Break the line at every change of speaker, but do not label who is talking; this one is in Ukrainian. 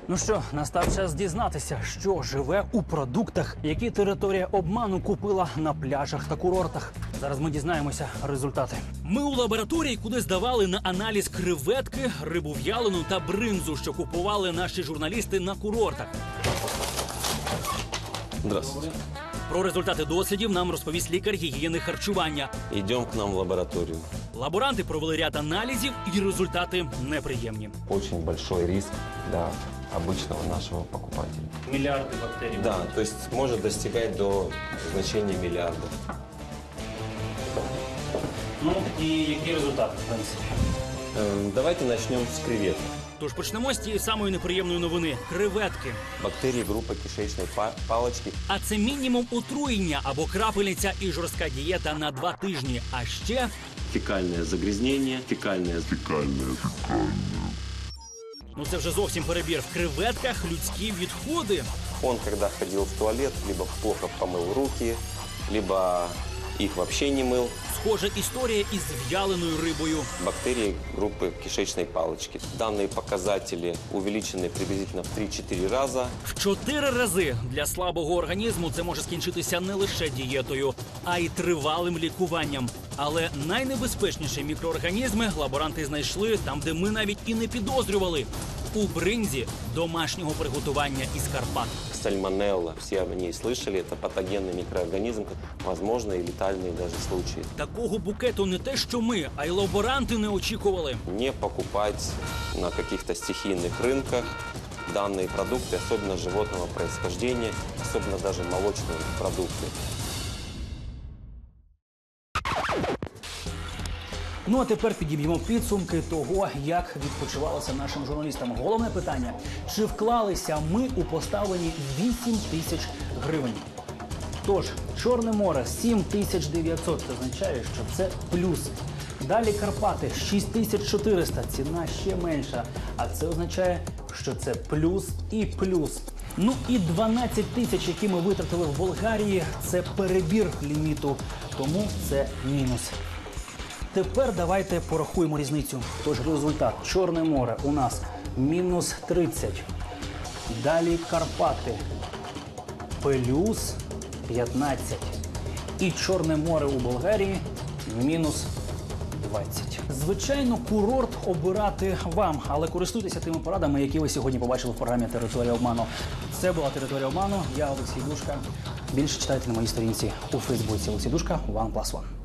Ну що, настав час дізнатися, що живе у продуктах, які територія обману купила на пляжах та курортах. Зараз ми дізнаємося результати. Ми у лабораторії, куди здавали на аналіз креветки, рибу в'ялену та бринзу, що купували наші журналісти на курортах.
Здравствуйте.
Про результати дослідів нам розповість лікар гігієни харчування.
Идем к нам в лабораторию.
Лаборанти провели ряд аналізів, і результати неприємні.
Очень большой риск для обычного нашего покупателя.
Мільярди бактерій.
Да, то есть может достигать до значения миллиардов.
Ну і які результати, в принципі?
Давайте начнем с креветок.
Тож почнемо з тієї самої неприємної новини – креветки.
Бактерии группы кишечной палочки.
А це мінімум отруєння або крапельниця і жорстка дієта на 2 тижні. А ще
Фекальное загрязнение,
ну це вже зовсім перебір. В креветках людські відходи.
Он, когда ходил в туалет, либо плохо помыл руки, либо их вообще не мыл.
Схожа історія із в'яленою рибою.
Бактерии группы кишечной палочки. Данные показатели увеличены приблизительно в 3-4 раза.
В 4 рази для слабого організму це може скінчитися не лише дієтою, а й тривалим лікуванням. Але найнебезпечніші мікроорганізми лаборанти знайшли там, де ми навіть і не підозрювали – у бринзі домашнього приготування із Карпат.
Сальмонелла, все о ней слышали, это патогенный микроорганизм, возможно, и летальные даже случаи.
Такого букету не те, що ми, а й лаборанти не очікували.
Не покупать на каких-то стихийных рынках данные продукты, особенно животного происхождения, особенно даже молочные продукты.
Ну а тепер підіб'ємо підсумки того, як відпочивалося нашим журналістам. Головне питання – чи вклалися ми у поставлені 8 тисяч гривень? Тож, Чорне море – 7900, це означає, що це плюс. Далі Карпати – 6400, ціна ще менша, а це означає, що це плюс і плюс. Ну і 12 тисяч, які ми витратили в Болгарії – це перебір ліміту, тому це мінус. Тепер давайте порахуємо різницю. Тож результат. Чорне море у нас мінус 30. Далі Карпати плюс 15. І Чорне море у Болгарії мінус 20. Звичайно, курорт обирати вам, але користуйтеся тими порадами, які ви сьогодні побачили в програмі «Територія обману». Це була «Територія обману». Я Олексій Душка. Більше читайте на моїй сторінці у Фейсбуці. Олексій Душка, OnePlus One.